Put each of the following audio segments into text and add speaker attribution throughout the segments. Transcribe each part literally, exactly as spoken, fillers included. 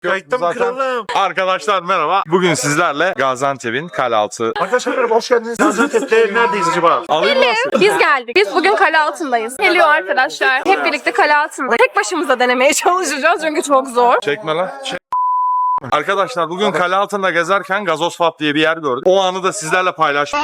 Speaker 1: Kayıtta mı kralım?
Speaker 2: Arkadaşlar merhaba. Bugün sizlerle Gaziantep'in Kalealtı.
Speaker 1: Arkadaşlar merhaba, hoş geldiniz. Gaziantep'te neredeyiz acaba?
Speaker 2: Alayım mı?
Speaker 3: Biz geldik. Biz bugün kale altındayız. Geliyor arkadaşlar. Hep birlikte kale altında. Tek başımıza denemeye çalışacağız çünkü çok zor.
Speaker 2: Çekme lan. Çek. Arkadaşlar bugün kale altında gezerken Gazoz Pub diye bir yer gördük. O anı da sizlerle paylaşmak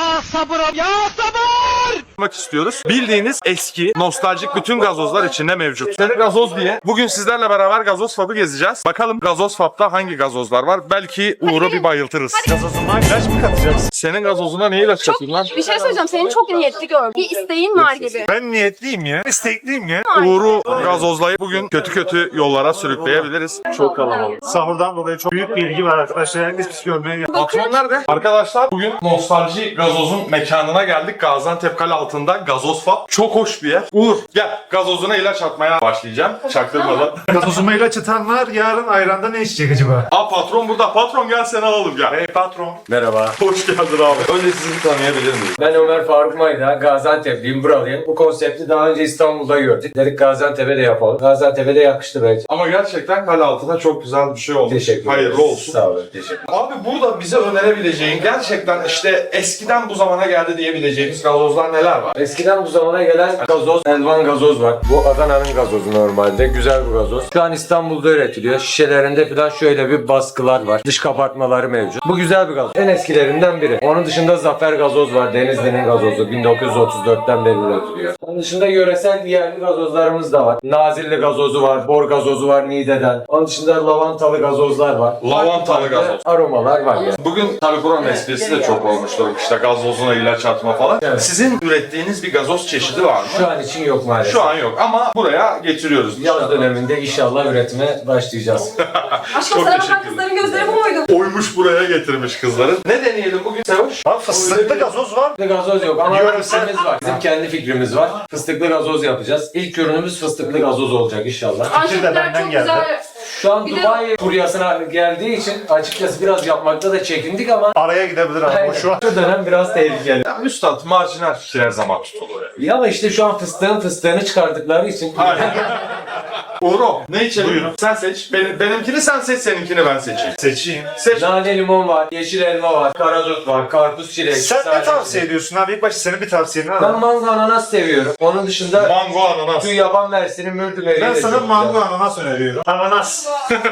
Speaker 2: istiyoruz. Bildiğiniz eski, nostaljik bütün gazozlar içinde mevcut. Seni gazoz diye. Bugün sizlerle beraber Gazoz Pub'ı gezeceğiz. Bakalım Gazoz Pub'da hangi gazozlar var? Belki Uğur'u bir bayıltırız.
Speaker 1: Gazozuma ilaç mı katacağız?
Speaker 2: Senin gazozuna ne ilaç katayım lan?
Speaker 3: Bir şey söyleyeceğim. Senin çok niyetli gördüm. Bir isteğin var gibi.
Speaker 1: Ben niyetliyim ya. İstekliyim ya.
Speaker 2: Uğur'u gazozlayıp bugün kötü kötü yollara sürükleyebiliriz.
Speaker 1: Çok kalabalık. Sahurdan dolayı çok büyük bir ilgi var arkadaşlar. Herkes pis görmeye geldi.
Speaker 2: Patron nerede? Arkadaşlar bugün Nostalji Gazoz'un mekanına geldik. Gaziantep Kale altında Gazoz Pub. Çok hoş bir yer. Uğur gel, gazozuna ilaç atmaya başlayacağım. Çaktırmadan.
Speaker 1: Gazozuma ilaç atanlar yarın ayranda ne içecek acaba?
Speaker 2: Aa patron burada. Patron gel seni alalım gel.
Speaker 1: Hey patron.
Speaker 4: Merhaba.
Speaker 2: Hoş geldin abi. Önce sizi bir tanıyabilir miyim?
Speaker 4: Ben Ömer Faruk Mayda, Gaziantep'liyim, buralıyım. Bu konsepti daha önce İstanbul'da gördük. Dedik Gaziantep'e de yapalım. Gaziantep'e de yakıştı bence.
Speaker 2: Ama gerçekten kale altına çok güzel bir şey olmuş.
Speaker 4: Teşekkür ederim.
Speaker 2: Hayırlı olsun.
Speaker 4: Sağ olun, teşekkür
Speaker 2: Abi burada bize önerebileceğin gerçekten işte eskiden bu zamana geldi diyebileceğimiz gazozlar neler var?
Speaker 4: Eskiden bu zamana gelen gazoz, Elvan gazoz var. Bu Adana'nın gazozu normalde. Güzel bir gazoz. Şu an İstanbul'da üretiliyor. Şişelerinde falan şöyle bir baskılar var. Dış kabartmaları mevcut. Bu güzel bir gazoz. En eskilerinden biri. Onun dışında Zafer gazoz var. Denizli'nin gazozu. bin dokuz yüz otuz dörtten beri üretiliyor. Onun dışında yöresel yerli gazozlarımız da var. Nazilli gazozu var. Bor gazozu var Niğde'den. Onun dışında lavantalı gazozlar var.
Speaker 2: Lavantalı gazoz.
Speaker 4: Aromalar var yani.
Speaker 2: Bugün tabii buranın esprisi de çok olmuştur. İşte gazozuna ilaç atma falan.
Speaker 4: Evet.
Speaker 2: Sizin ürettiğiniz bir gazoz çeşidi var mı?
Speaker 4: Şu an için yok maalesef.
Speaker 2: Şu an yok ama buraya getiriyoruz.
Speaker 4: Yaz döneminde inşallah üretime başlayacağız.
Speaker 3: Aşkım
Speaker 2: Çok
Speaker 3: sana
Speaker 2: teşekkür
Speaker 3: bakan kızların gözleri bu muydu?
Speaker 2: Oymuş buraya getirmiş kızların. Ne deneyelim bugün Sevoş?
Speaker 1: Bak fıstıklı gazoz var.
Speaker 4: Fıstıklı gazoz yok ama
Speaker 1: Yöresel-
Speaker 4: fikrimiz var. Bizim kendi fikrimiz var. Fıstıklı gazoz yapacağız. İlk ürünümüz fıstıklı gazoz olacak inşallah.
Speaker 1: Fikir de benden
Speaker 3: çok
Speaker 1: geldi.
Speaker 3: güzel.
Speaker 4: Şu an
Speaker 3: Bir de-
Speaker 4: Dubai furyasına geldiği için açıkçası biraz yapmakta da çekindik ama
Speaker 1: Araya gidebilir ama
Speaker 4: Aynen.
Speaker 1: o şu an.
Speaker 4: Şu dönem biraz tehlikeli.
Speaker 2: Ya üstad marjinal fikir her zaman tutulur ya.
Speaker 4: Ya ama işte şu an fıstığın fıstığını çıkardıkları için
Speaker 2: Aynen. Uğur'um ne içelim?
Speaker 1: Buyurun.
Speaker 2: Sen seç. Benim, benimkini sen seç, seninkini ben seçeyim.
Speaker 1: Seçeyim.
Speaker 2: Seç.
Speaker 4: nane limon var, yeşil elma var, karadut var, karpuz çilek.
Speaker 1: Sen ne
Speaker 4: sadece-
Speaker 1: tavsiye ediyorsun abi? İlk başta senin bir tavsiyeni
Speaker 4: Ben
Speaker 1: alalım.
Speaker 4: mango ananas seviyorum. Onun dışında
Speaker 2: Mango ananas.
Speaker 4: şu yaban mersini mürdüm
Speaker 1: Ben sana mango ananas öneriyorum. Ananas.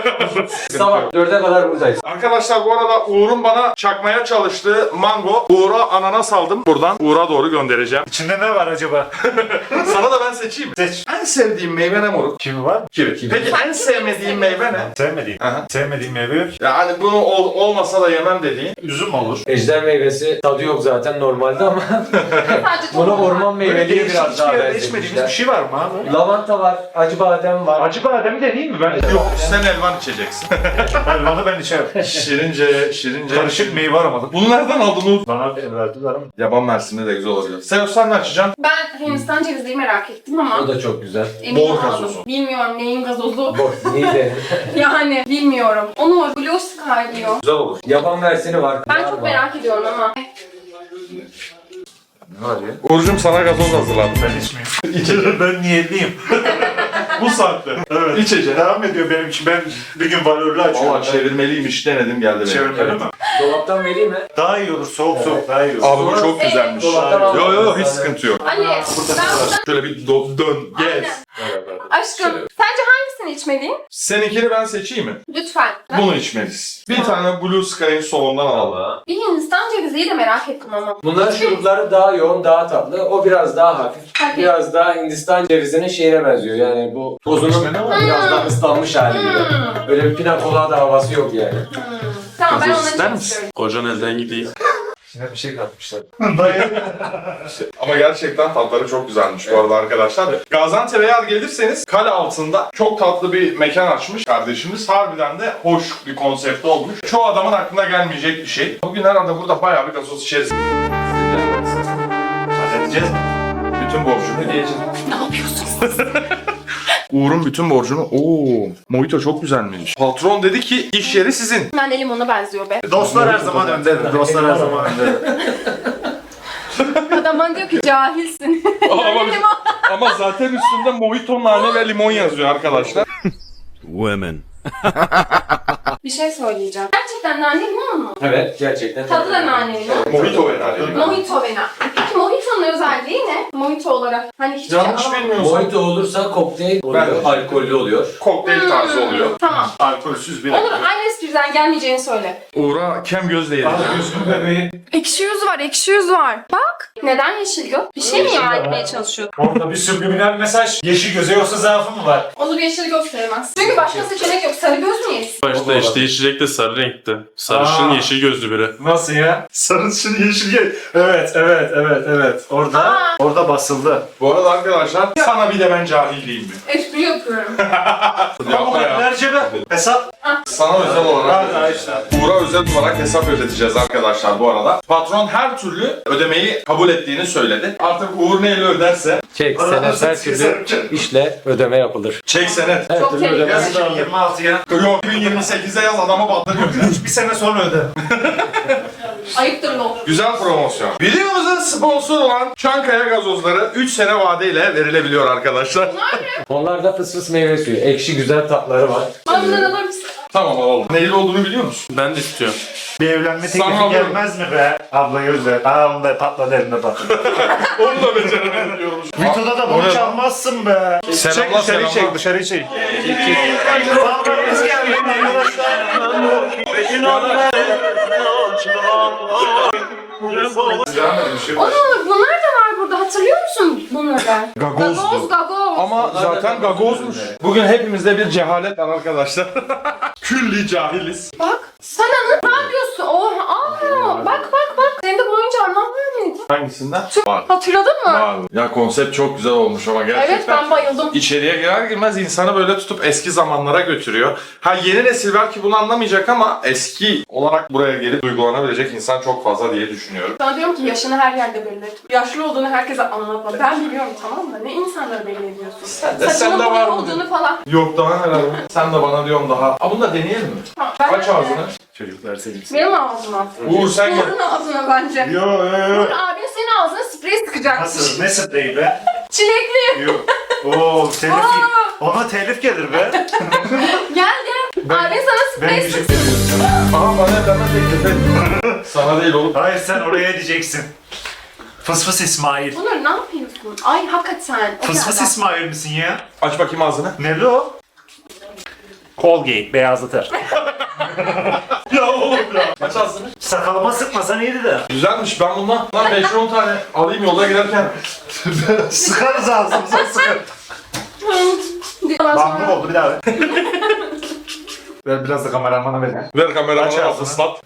Speaker 4: Sabah dörde kadar buradayız.
Speaker 2: Arkadaşlar bu arada Uğur'un bana çakmaya çalıştığı mango. Uğur'a ananas aldım. Buradan Uğur'a doğru göndereceğim.
Speaker 1: İçinde ne var acaba?
Speaker 2: Sana da ben seçeyim mi?
Speaker 1: Seç.
Speaker 2: En sevdiğim meyve ne moruk?
Speaker 1: Kimi var?
Speaker 2: Kivi. Peki en sevmediğin meyve ne?
Speaker 1: Sevmediğim.
Speaker 2: Aha.
Speaker 1: Sevmediğim meyve yok.
Speaker 2: Yani bunu ol- olmasa da yemem dediğin.
Speaker 1: Üzüm olur.
Speaker 4: Ejder meyvesi tadı yok zaten normalde ama
Speaker 3: Sadece
Speaker 4: bunu
Speaker 3: tohum var.
Speaker 4: orman
Speaker 1: Böyle
Speaker 4: meyveliği
Speaker 1: değişik
Speaker 4: biraz daha
Speaker 1: hiçbir yerde içmediğimiz bir
Speaker 4: benzetmişler.
Speaker 1: şey var mı abi?
Speaker 4: Lavanta var, acı badem var.
Speaker 1: Acı bademi de değil mi? Ben
Speaker 2: Yok sen elvan içeceksin.
Speaker 1: Elvanı ben içerim.
Speaker 2: şirince, şirince.
Speaker 1: Karışık meyve aramadım.
Speaker 2: Bunu nereden aldın Uğur?
Speaker 1: Bana verdiler ama.
Speaker 2: Yaban mersini de güzel olabilir. Sen sen ne açacaksın?
Speaker 3: Ben Hindistan cevizliği merak ettim ama
Speaker 4: O da çok güzel.
Speaker 3: emin
Speaker 2: Bol
Speaker 3: olamadım.
Speaker 2: gazozu.
Speaker 3: Bilmiyorum neyin gazozu.
Speaker 4: Bok, Niğde.
Speaker 3: Yani bilmiyorum. Onu Blue Sky diyor.
Speaker 2: Güzel olur.
Speaker 4: Yaban mersini var.
Speaker 3: Ben
Speaker 4: nar
Speaker 3: çok
Speaker 4: var.
Speaker 3: merak ediyorum ama.
Speaker 2: Hadi. Uğur'cum sana gazoz hazırladım.
Speaker 1: Ben içmeyeyim. İçerim. Ben niyetliyim.
Speaker 2: Bu saatte.
Speaker 1: Evet.
Speaker 2: İçeceğim.
Speaker 1: Devam ediyor benim için. Ben bir gün valörlü açıyorum.
Speaker 2: Valla çevirmeliymiş denedim geldi benim.
Speaker 1: Çevirmeli mi?
Speaker 4: Dolaptan vereyim mi?
Speaker 1: Daha iyi olur. Soğuk soğuk daha iyi olur.
Speaker 2: Abi bu çok güzelmiş.
Speaker 4: Dolaptan al.
Speaker 2: Yo yo hiç sıkıntı yok.
Speaker 3: Ali ben buradan...
Speaker 2: Şöyle bir do- dön,
Speaker 3: Aynen.
Speaker 2: gez.
Speaker 3: Aşkım sence hangisini içmeliyim?
Speaker 2: Seninkini ben seçeyim mi?
Speaker 3: Lütfen.
Speaker 2: Bunu içmeliyiz. Bir tane Blue Sky'ın solundan alalım.
Speaker 3: Bir Hindistan ceviziyi de merak ettim ama.
Speaker 4: Bunların şurupları daha yoğun, daha tatlı. O biraz daha hafif.
Speaker 3: Hadi.
Speaker 4: Biraz daha Hindistan cevizinin şeyine benziyor. Yani bu tozunun biraz daha ıslanmış hali gibi.
Speaker 3: Hmm.
Speaker 4: Böyle bir pina colada havası yok yani.
Speaker 3: Hmm. Tamam ben
Speaker 2: Gazoz
Speaker 3: onları
Speaker 2: ister
Speaker 3: çok
Speaker 2: misin?
Speaker 3: istiyorum.
Speaker 2: Kocan elden gideyim.
Speaker 4: İçine bir şey katmışlar.
Speaker 2: Ama gerçekten tatları çok güzelmiş bu arada arkadaşlar. Gaziantep'e eğer gelirseniz kale altında çok tatlı bir mekan açmış kardeşimiz. Harbiden de hoş bir konsept olmuş. Çoğu adamın aklına gelmeyecek bir şey. Bugün herhalde burada bayağı bir gazoz içeriz.
Speaker 1: Halledeceğiz mi?
Speaker 2: Bütün borcunu diyeceğim.
Speaker 3: Ne yapıyorsunuz?
Speaker 2: Uğur'un bütün borcunu... Oo, mojito çok güzelmiş. Patron dedi ki iş yeri sizin.
Speaker 3: Ben de limona benziyor be.
Speaker 1: Dostlar her zaman öndedir. Dostlar her zaman öndedir.
Speaker 3: Adam bana diyor ki cahilsin.
Speaker 2: Ama,
Speaker 3: Yani limon.
Speaker 2: ama zaten üstünde mojito, nane ve limon yazıyor arkadaşlar.
Speaker 5: Women.
Speaker 3: Bir şey söyleyeceğim. Gerçekten nane limon mu?
Speaker 4: Evet gerçekten.
Speaker 3: Tadı da nane limon.
Speaker 2: Mojito önerdi.
Speaker 3: Mojito vena. Peki Mojito'nun özelliği ne? Mojito olarak. Hani hiçbir
Speaker 2: Yanlış
Speaker 3: şey alamam.
Speaker 2: bilmiyorsun.
Speaker 4: Mojito olursa kokteyl oluyor,
Speaker 2: Ben-
Speaker 4: alkollü oluyor.
Speaker 2: Kokteyl tarzı oluyor.
Speaker 3: Tamam.
Speaker 1: Alkolsüz bir
Speaker 3: Olur aynı espriden gelmeyeceğini söyle.
Speaker 2: Uğur'a kem gözle yedim.
Speaker 1: Gözüm bebeği.
Speaker 3: Ekşi yüz var, ekşi yüz var. Bak. Neden yeşil göz? Bir şey mi ima etmeye çalışıyor?
Speaker 1: Orada bir subliminal mesaj. Yeşil göze yoksa zaafı mı var?
Speaker 3: Onur yeşil göz sevmez. Çünkü başka seçenek yok. Sarı göz müyüz?
Speaker 5: Başta işte içecek de sarı renkti. Sarışın
Speaker 1: Aa.
Speaker 5: yeşil gözlü biri.
Speaker 1: Nasıl ya? Sarışın yeşil göz. Evet, evet, evet, evet. Orada,
Speaker 3: Aa.
Speaker 1: orada basıldı.
Speaker 2: Bu arada arkadaşlar sana bir de ben cahil değilim mi?
Speaker 3: Espri yapıyorum.
Speaker 2: Yapma ya.
Speaker 1: Verce be. Hesap.
Speaker 2: Sana özel olarak
Speaker 1: Arkadaşlar.
Speaker 2: Uğur'a özel olarak hesap ödeteceğiz arkadaşlar bu arada. Patron her türlü ödemeyi kabul ettiğini söyledi. Artık Uğur neyle öderse
Speaker 4: Çek,
Speaker 1: Bana
Speaker 4: senet her
Speaker 1: nasıl
Speaker 4: türlü
Speaker 1: çek-
Speaker 4: işle ödeme yapılır.
Speaker 2: çek senet.
Speaker 4: Her
Speaker 3: Çok
Speaker 4: türlü
Speaker 3: tehlikeli.
Speaker 4: ödeme.
Speaker 1: Yaz iki bin yirmi altıya.
Speaker 2: Yok iki bin yirmi sekizde yaz adamı batırıyor.
Speaker 1: Bir sene sonra öde.
Speaker 3: Ayıptır lol.
Speaker 2: Güzel promosyon. Videomuzun sponsor olan Çankaya gazozları üç sene vadeyle verilebiliyor arkadaşlar.
Speaker 4: Onlarda fıs fıs meyve suyu. Ekşi güzel tatları var.
Speaker 3: Bana bundan alır mısın?
Speaker 2: Tamam alalım. Neyli olduğunu biliyor musun?
Speaker 5: Ben de istiyorum.
Speaker 1: Bir evlenme
Speaker 2: Sana
Speaker 1: teklifi
Speaker 2: alıyorum.
Speaker 1: gelmez mi be? Abla gözle. Aa onda patladı eline bak.
Speaker 2: Onu da beceremedim diyormuş.
Speaker 1: Videoda da
Speaker 2: O ne
Speaker 1: bunu
Speaker 2: lan?
Speaker 1: çalmazsın be.
Speaker 2: Selamlar,
Speaker 1: Çek dışarı
Speaker 2: selamlar.
Speaker 1: çek dışarı çek. Biz geldik arkadaşlar.
Speaker 3: Onur bunlar da var burada. Hatırlıyor musun bunları?
Speaker 2: Gagozdu.
Speaker 3: Gagoz, gagoz.
Speaker 2: Ama zaten gagozmuş. Bugün hepimizde bir cehalet var arkadaşlar. Külli cahiliz.
Speaker 3: Bak. Sen anı ne yapıyorsun? Oha. Aa, bak bak bak. Senin de bu oyuncağın var mıydı?
Speaker 2: Hangisinden?
Speaker 3: Çok-
Speaker 2: Var.
Speaker 3: Hatırladın mı?
Speaker 2: Var. Ya konsept çok güzel olmuş ama gerçekten.
Speaker 3: Evet ben bayıldım.
Speaker 2: İçeriye girer girmez insanı böyle tutup eski zamanlara götürüyor. Ha yeni nesil belki bunu anlamayacak ama eski olarak buraya gelip duygulanabilecek insan çok fazla diye düşünüyorum.
Speaker 3: Sana diyorum ki yaşını her yerde belli et. Yaşlı olduğunu herkese anlatma. Ben biliyorum tamam mı? Ne insanları belli ediyorsun?
Speaker 2: Sen de,
Speaker 3: Saçının
Speaker 2: sen de
Speaker 3: boyu
Speaker 2: var mı?
Speaker 3: olduğunu falan.
Speaker 2: Yok daha neler var? Sen de bana diyorum daha. Aa bunu da deneyelim mi?
Speaker 3: Ha, ben
Speaker 2: Aç
Speaker 3: de-
Speaker 2: ağzını.
Speaker 1: Çocuklar sevgisi.
Speaker 3: Benim ağzıma.
Speaker 2: Uğur sen gel.
Speaker 3: Uğur'un ağzına bence.
Speaker 1: Yo yo yo.
Speaker 3: Uğur abin senin ağzına sprey sıkacakmış.
Speaker 1: Nasıl? Ne spreyi be?
Speaker 3: Çilekli.
Speaker 1: Yok. Oo telif.
Speaker 3: Aa,
Speaker 1: Ona telif gelir be.
Speaker 3: gel gel. Abin sana
Speaker 1: Ben
Speaker 3: sprey
Speaker 1: diyecek
Speaker 3: sıksın.
Speaker 2: Aa bana bana teklif et. Sana değil oğlum.
Speaker 1: Hayır sen oraya diyeceksin. Fıs fıs İsmail.
Speaker 3: Onur ne yapıyorsun? Ay hakikaten. O
Speaker 1: Fıs fıs
Speaker 3: kadar.
Speaker 1: İsmail misin ya?
Speaker 2: Aç bakayım ağzını.
Speaker 1: Ne o? Colgate beyazlatır.
Speaker 2: Ya oğlum ya. Aç ağzını.
Speaker 1: Sakalıma sıkmasan iyiydi de.
Speaker 2: Güzelmiş ben bundan bundan beş on tane alayım yolda giderken.
Speaker 1: Sıkarız ağzımıza sıkar.
Speaker 3: Ondan
Speaker 1: Bambur
Speaker 3: sonra
Speaker 1: oldu bir daha ver. Ver biraz da kameramana ver.
Speaker 2: Ver
Speaker 1: Aç
Speaker 2: kameramı
Speaker 1: ağzını.
Speaker 2: al ıslat.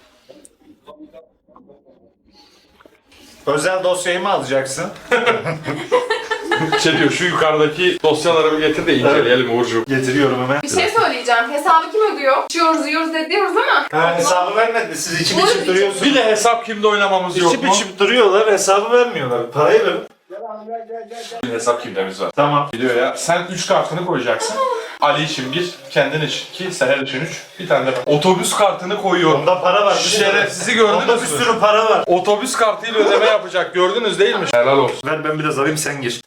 Speaker 1: Özel dosyayı mı alacaksın?
Speaker 2: Şey diyor şu yukarıdaki dosyaları bir getir de inceleyelim Uğurcuğum.
Speaker 1: Getiriyorum hemen.
Speaker 3: bir şey söyleyeceğim. Hesabı kim ödüyor? İçiyoruz, yiyoruz ediyoruz ama.
Speaker 1: Ha, hesabı vermedi. Siz içip
Speaker 3: Buyur,
Speaker 1: içip
Speaker 3: içip-
Speaker 1: duruyorsunuz.
Speaker 2: Bir de hesap kimde oynamamız yok
Speaker 1: İçip
Speaker 2: mu?
Speaker 1: içip duruyorlar, hesabı vermiyorlar. Parayı verin.
Speaker 2: Bir hesap kimdemiz var.
Speaker 1: Tamam.
Speaker 2: Biliyor ya. Sen üç kartını koyacaksın. Ali için bir, kendin için iki, Seher için üç. Bir tane de ben. Otobüs kartını koyuyorum.
Speaker 1: Onda para var.
Speaker 2: Şerefsizi
Speaker 1: Onda bir
Speaker 2: gördünüz mü?
Speaker 1: sürü para var.
Speaker 2: Otobüs kartıyla ödeme yapacak. Gördünüz değil mi? Helal olsun.
Speaker 1: Ver ben biraz alayım sen gir.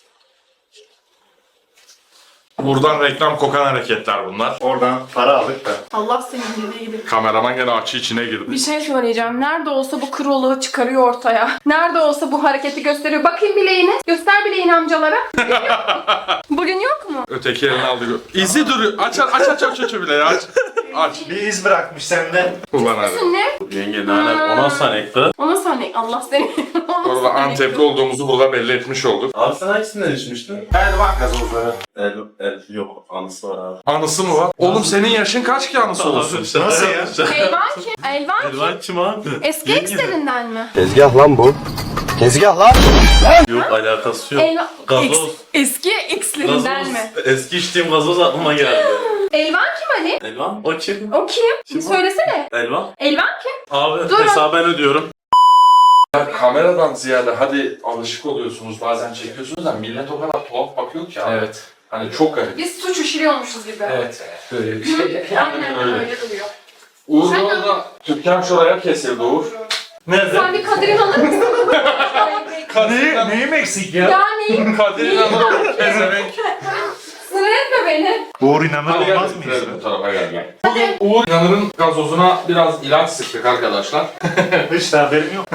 Speaker 2: Buradan reklam kokan hareketler bunlar.
Speaker 1: Oradan para aldık da.
Speaker 3: Allah senin dediği gibi.
Speaker 2: Kameraman gene açı içine girdi.
Speaker 3: Bir şey söyleyeceğim. Nerede olsa bu kroluğu çıkarıyor ortaya. Nerede olsa bu hareketi gösteriyor. Bakayım bileğini. Göster bileğini amcalara. Bugün yok mu?
Speaker 2: Öteki elini aldı. İzi duruyor. Aç aç aç aç aç aç bile ya. Aç. Aç.
Speaker 1: Bir iz bırakmış sende.
Speaker 2: Ulan hadi.
Speaker 3: Sen ne?
Speaker 5: Yenge nane ona sanekti.
Speaker 3: Ona saniye. Allah seni. Ona
Speaker 2: Orada
Speaker 3: saniye.
Speaker 2: Antepli olduğumuzu burada belli etmiş olduk.
Speaker 5: Abi sen hangisinden içmiştin?
Speaker 2: Elvan gazozları.
Speaker 5: El, el yok anısı var abi.
Speaker 2: Anısı mı var? Oğlum senin yaşın kaç ki anısı olsun?
Speaker 1: Nasıl ya?
Speaker 3: Elvan kim? Elvan kim?
Speaker 5: Elvan kim abi?
Speaker 3: Eski ekslerinden mi?
Speaker 6: Tezgah lan bu. Tezgah lan.
Speaker 5: Yok alakası yok.
Speaker 3: Elvan...
Speaker 5: Gazoz.
Speaker 3: Eks- eski ekslerinden mi?
Speaker 5: Eski içtiğim gazoz aklıma geldi.
Speaker 3: Elvan kim Ali?
Speaker 5: Elvan o kim?
Speaker 3: O kim? Şimdi
Speaker 5: Kim o?
Speaker 3: söylesene.
Speaker 5: Elvan.
Speaker 3: Elvan kim?
Speaker 5: Abi
Speaker 3: Dur.
Speaker 5: hesabı ben ödüyorum.
Speaker 2: Ya kameradan ziyade hadi alışık oluyorsunuz bazen çekiyorsunuz da millet o kadar tuhaf bakıyor ki abi.
Speaker 4: Evet.
Speaker 2: Hani çok garip.
Speaker 3: Biz suç işliyormuşuz gibi.
Speaker 4: Evet. Böyle bir şey.
Speaker 3: Aynen
Speaker 2: öyle.
Speaker 3: öyle duruyor.
Speaker 2: Uğur
Speaker 3: Sen-
Speaker 2: orada Türkan şuraya kesildi Uğur.
Speaker 5: Nerede?
Speaker 3: Sen bir Kadir'in alır mısın?
Speaker 1: Neyi, neyim eksik ya?
Speaker 3: Yani
Speaker 2: Kadir'in adına pezevenk.
Speaker 3: sıraya etme beni.
Speaker 1: Uğur inanır
Speaker 2: Hadi gel
Speaker 1: olmaz mıyız?
Speaker 2: bitirelim bu tarafa gel. Bugün Uğur İnanır'ın gazozuna biraz ilaç sıktık arkadaşlar.
Speaker 1: Hiç de haberim yok.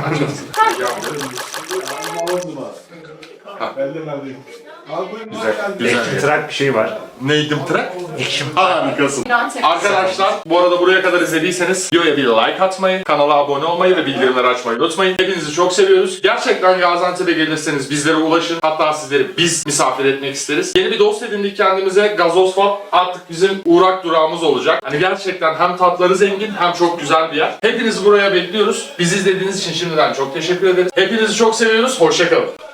Speaker 2: Güzel, güzel.
Speaker 1: Ekstrak bir şey var.
Speaker 2: Neydim trak? Harikasın.
Speaker 3: İran tepsi.
Speaker 2: Arkadaşlar bu arada buraya kadar izlediyseniz videoya bir like atmayı, kanala abone olmayı ve bildirimleri açmayı unutmayın. Hepinizi çok seviyoruz. Gerçekten Gaziantep'e gelirseniz bizlere ulaşın. Hatta sizleri biz misafir etmek isteriz. Yeni bir dost edindik kendimize. Gazoz Fab artık bizim uğrak durağımız olacak. Hani gerçekten hem tatları zengin hem çok güzel bir yer. Hepinizi buraya bekliyoruz. Bizi izlediğiniz için şimdiden çok teşekkür ederiz. Hepinizi çok seviyoruz. Hoşçakalın.